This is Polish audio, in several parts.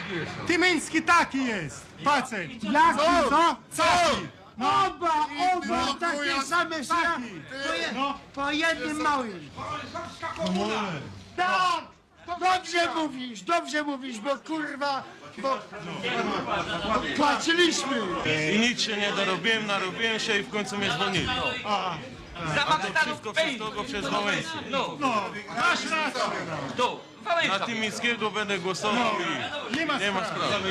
Tymiński taki jest, facet. Jaki, co? Taki. Oba takie same taki. po jednym małym. Tak! Dobrze mówisz, bo kurwa, bo płaciliśmy. I nic się nie dorobiłem, narobiłem się i w końcu mnie zwolnili. A to wszystko przez kogo? Przez Wałęsę. No, masz rację. Na Tymińskiego będę głosował i nie ma sprawy.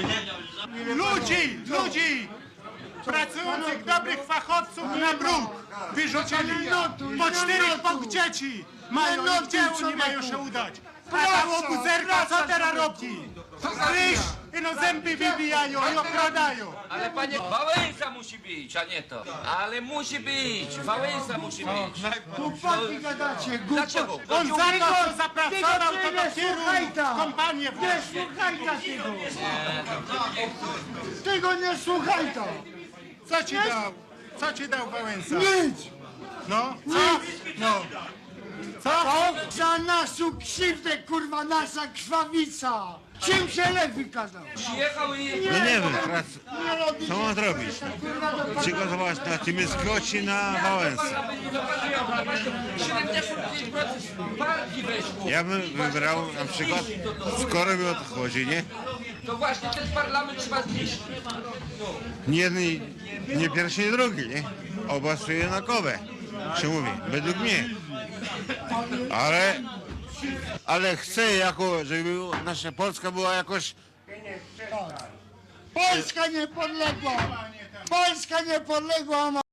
Ludzi, pracujących, dobrych fachowców na bruk wyrzucili. Po 4 dzieci mają, No, gdzie oni mają się udać? A ta łobuzerka co teraz robi? Ryż, no zęby wybijają i okradają. Ale panie, Wałęsa musi być, a nie to. Ale musi być, Wałęsa musi być. Głupotki gadacie, Dlaczego? głupotki. On za to, co zapracował, to dopiero kompanię Nie włożył. słuchaj tego. Tego nie słuchaj to. Co ci dał? Co ci dał Wałęsa? Nic. No, co? No. Co? Za naszą krzywdę, kurwa, nasza krwawica. Czym się lew wykazał? Przyjechał i... No nie wiem, Nie robi co mam zrobić? Przygotować na Tymińskiego czy na Wałęsę? 75% partii weszło. Ja bym wybrał na przykład, skoro mi o to chodzi, nie? To właśnie ten parlament trzeba zniszczyć. Nie jedni, nie pierwszy, nie drugi, nie? Oba są jednakowe, się mówi, według mnie. Ale chcę jako, żeby nasza Polska była jakoś Polska niepodległa! Polska niepodległa!